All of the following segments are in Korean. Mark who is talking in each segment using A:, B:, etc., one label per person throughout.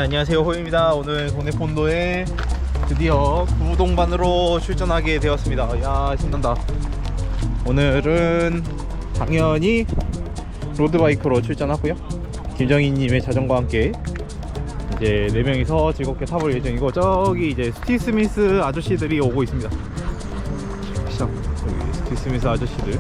A: 안녕하세요, 호입니다. 오늘 동네 폰도에 드디어 구동반으로 출전하게 되었습니다. 야, 신난다. 오늘은 당연히 로드바이크로 출전하고요. 김정희님의 자전거와 함께 이제 4명이서 즐겁게 타볼 예정이고, 저기 이제 스티브 스미스 아저씨들이 오고 있습니다. 시작. 여기 스티브 스미스 아저씨들.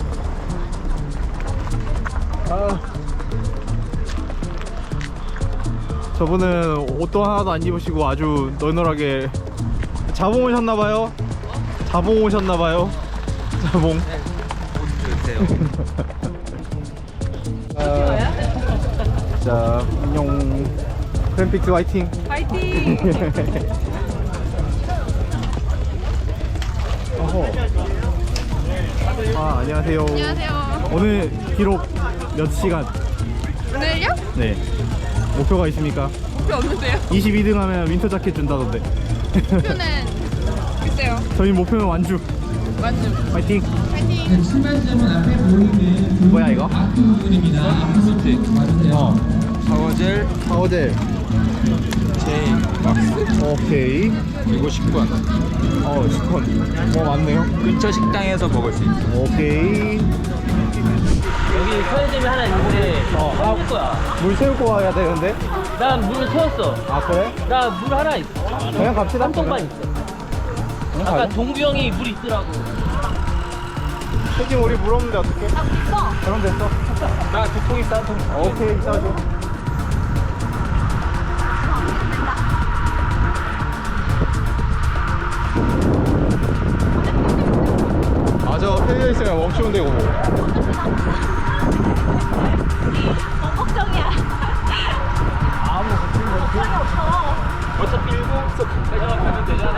A: 저분은 옷도 하나도 안 입으시고 아주 널널하게 자봉 오셨나봐요. 자봉 오셨나봐요. 자봉.
B: 네, 옷 주세요.
A: 자, 안녕. 크램픽스 화이팅.
C: 파이팅!
A: 어허. 아, 안녕하세요.
C: 안녕하세요.
A: 오늘 기록 몇 시간?
C: 오늘요?
A: 네. 목표가 있습니까?
C: 목표 없는데요?
A: 22등 하면 윈터 자켓 준다던데.
C: 목표는 글쎄요.
A: 저희 목표는 완주.
C: 완주.
A: 화이팅.
C: 파이팅!
D: 신발점은 앞에 보이는
A: 뭐야 이거?
D: 부분입니다. 앞으로 쭉 와주세요.
B: 샤워젤
A: 파워젤.
B: J 박스
A: 오케이.
B: 그리고 식권.
A: 스콘. 뭐 많네요.
B: 근처 식당에서 먹을 수 있어.
A: 오케이.
E: 여기 편의점이 하나 있는데 사올 거야.
A: 물 채우고 와야 되는데.
E: 난 물을 채웠어.
A: 아, 그래?
E: 나 물 하나 있어.
A: 그냥 갑시다.
E: 한 통만 있어.
A: 그냥
E: 아까
A: 가자.
E: 동규 형이 물 있더라고.
A: 혜진 우리 물 없는데 어떡해? 그럼 됐어.
E: 나 2통 있어, 한 통.
A: 오케이, 싸줘. 아, 저 편의점 있으면 멈추면 되고.
C: 걱정이야.
E: 어차피 1공 가져가면 되잖아.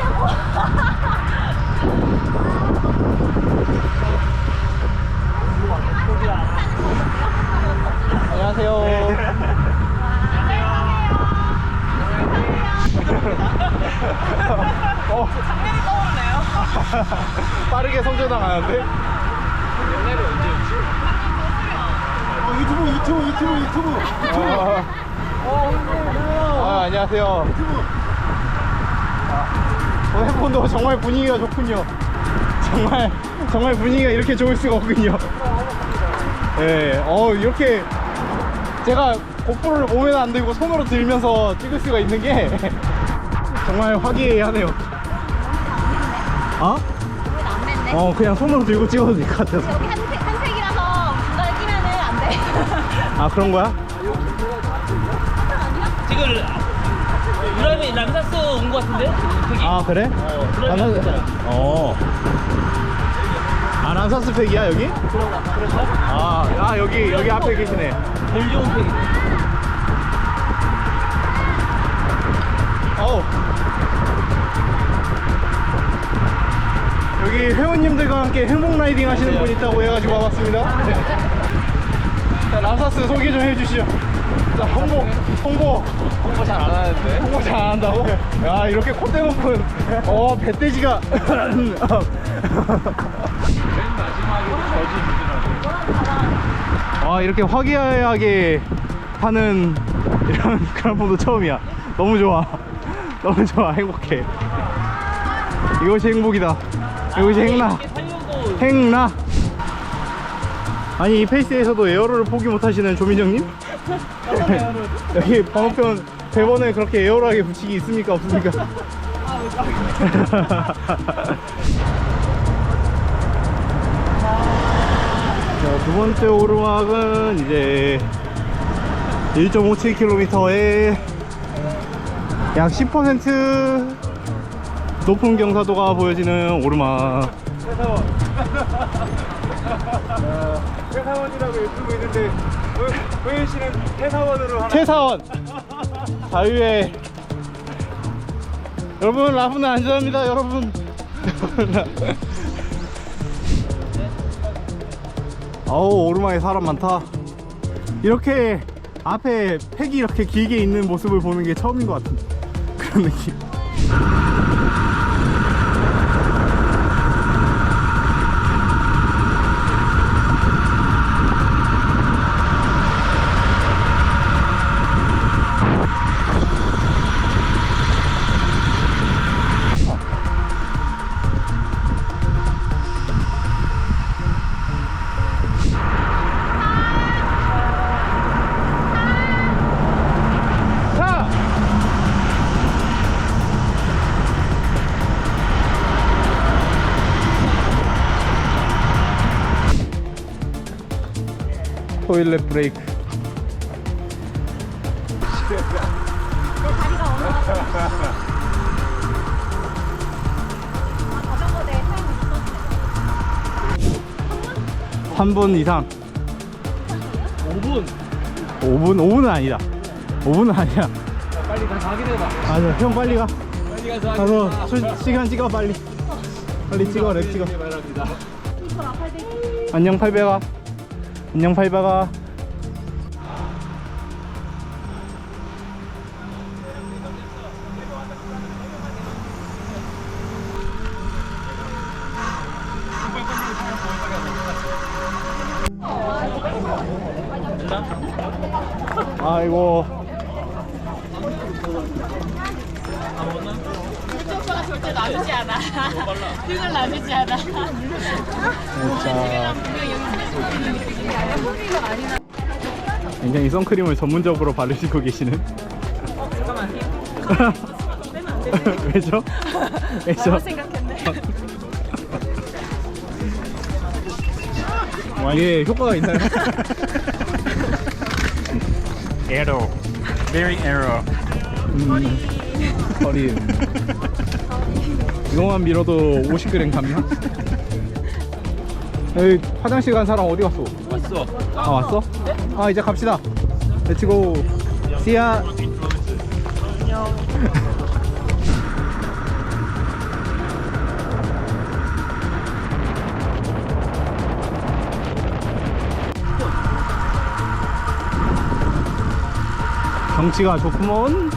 A: 안녕하세요.
C: 작년이 떠오르네요.
A: 빠르게 성장하는데?
B: 옛날에 언제였지?
A: 유튜브. 안녕하세요. 핸폰도 정말 분위기가 좋군요. 정말 분위기가 이렇게 좋을 수가 없군요. 예, 이렇게 제가 고프로를 몸에는 안 들고 손으로 들면서 찍을 수가 있는 게 정말 화기애애하네요. 어?
C: 안 됐네.
A: 그냥 손으로 들고 찍어도 될 것 같아서.
C: 여기 한색이라서 중간에 끼면은 안 돼.
A: 아, 그런 거야?
E: 지금 유람이 람사스 온 거 같은데? 저기.
A: 아, 그래?
E: 람사스 있잖아.
A: 아, 람사스 팩이야 여기?
E: 그런가?
A: 아, 여기 앞에 계시네.
E: 제일 좋은 팩이.
A: 여기 회원님들과 함께 행복 라이딩 하시는 분 있다고 해가지고 와봤습니다. 네. 자, 람사스 소개 좀 해주시죠. 자, 홍보
B: 잘 안 하는데.
A: 홍보 잘 안 한다고? 야, 이렇게 콧대 높은 배돼지가
B: 맨 마지막에 저지
A: 이렇게 화기애애하게 하는 이런 그런 폰도 처음이야. 너무 좋아. 너무 좋아. 행복해. 이것이 행복이다. 이것이 행나.
E: 이렇게 살려고.
A: 행나. 아니, 이 페이스에서도 에어로를 포기 못하시는 조민정님? 여기 번호편 대본에 그렇게 에어로하게 붙이기 있습니까 없습니까? 자, 두 번째 오르막은 이제 1.57km에 약 10% 높은 경사도가 보여지는 오르막.
F: 회사원이라고 유튜브 있는데 호연 씨는 회사원으로 하나.
A: 최사원 자유의 여러분, 라프는 안전합니다. 여러분. 어우, 오르막에 사람 많다. 이렇게 앞에 팩이 이렇게 길게 있는 모습을 보는 게 처음인 것 같은 그런 느낌. 토일렛 브레이크.
C: 내 다리가 올라가서. 자전거 내 사용 있었어.
A: 3분 이상.
E: 5분.
A: 5분은 아니다. 5분은 아니야.
E: 빨리 가서 확인해봐.
A: 맞아, 형 빨리 가.
E: 빨리 가서
A: 가서 시간 찍어 빨리. 빨리 찍어, 랩 찍어.
E: 바랍니다.
A: 안녕 800아. 안녕 800아. 아이고.
C: 오빠가 절대 놔주지 않아. 등을 놔주지 않아.
A: 진짜. 굉장히 선크림을 전문적으로 바르시고 계시는. 왜죠? 왜죠?
C: 생각했네.
A: 이게 효과가 있나요?
F: Arrow. Very arrow.
A: 허리. 이거만 밀어도 50g 감량? 여기 화장실 간 사람 어디 갔어?
E: 왔어.
A: 아 왔어? 아 이제 갑시다. 렛츠고. 씨야. 경치가 좋구먼.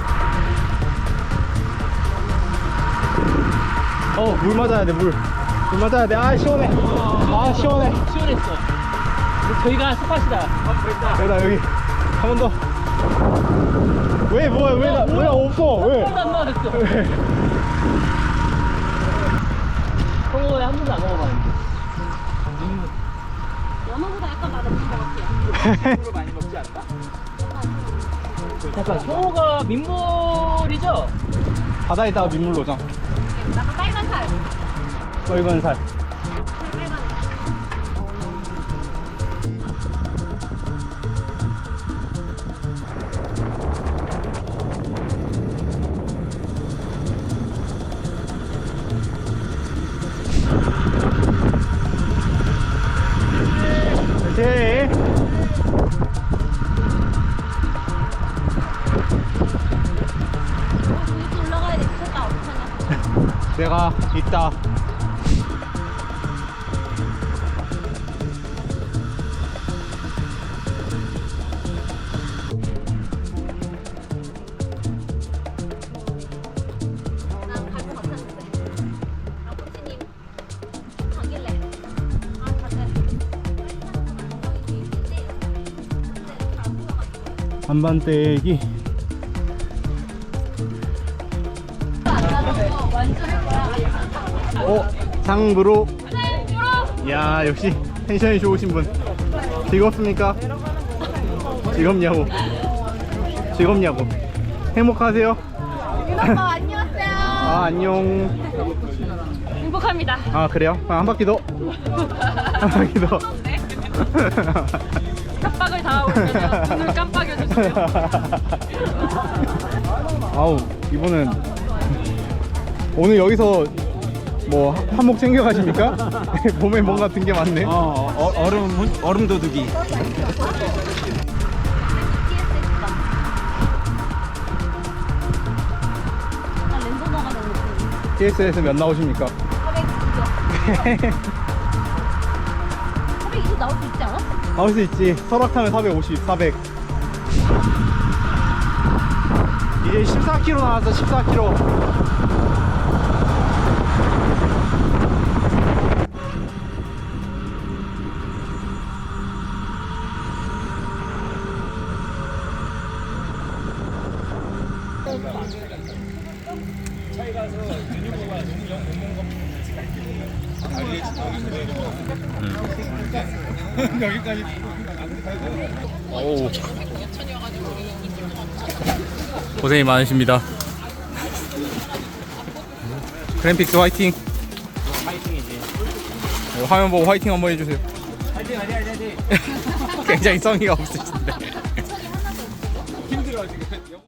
A: 물 맞아야 돼, 물 맞아야 돼. 아 시원해. 아 시원해.
E: 시원했어. 저희가 스팟이다.
A: 여기다 여기 한 번 더. 왜 뭐야 왜 나 없어 왜?
E: 한 번도 안 먹었어.
A: 왜?
E: 성공에 한 번도 안 먹어봤는데.
C: 연어보다 약간 맛없는 것 같아요.
E: 잠깐, 성호가 민물이죠?
A: 바다에다가 민물 노장.
C: 약간 빨간 살.
A: 빨간 살.
C: 빨간.
A: 오케이.
C: 또 올라가야 돼. 미쳤다. 어떡하냐.
A: 내가 있다.
C: 난 갈 것 같았는데. 아버지님 가길래. 아, 다들.
A: 한반떼기. 장브로. 야 역시 텐션이 좋으신 분. 즐겁습니까? 즐겁냐고. 즐겁냐고. 행복하세요?
C: 윤오빠 안녕하세요.
A: 아 안녕.
C: 행복합니다.
A: 아 그래요? 아, 한 바퀴 더. 한 바퀴 더.
C: 협박을 당하고 있어서 눈을 깜빡여주세요.
A: 아우 이분은 오늘 여기서 뭐 한몫 챙겨가십니까? 몸에 뭔가 든 게 많네.
F: 얼음 도둑이.
C: 나 랜선어가 너무 웃겨.
A: TS에서 몇 나오십니까?
C: 420이요. 420 나올 수 있지 않아?
A: 나올 수 있지. 설악타면 450, 400. 이제 14km 나왔어. 14km. 오. 고생이 많으십니다. 그램픽스 화이팅. 화이팅이지. 화면 보고 화이팅 한번 해주세요.
B: 화이팅 화이팅 화이팅.
A: 굉장히 성의가 없으신데.
B: 힘들어 지금.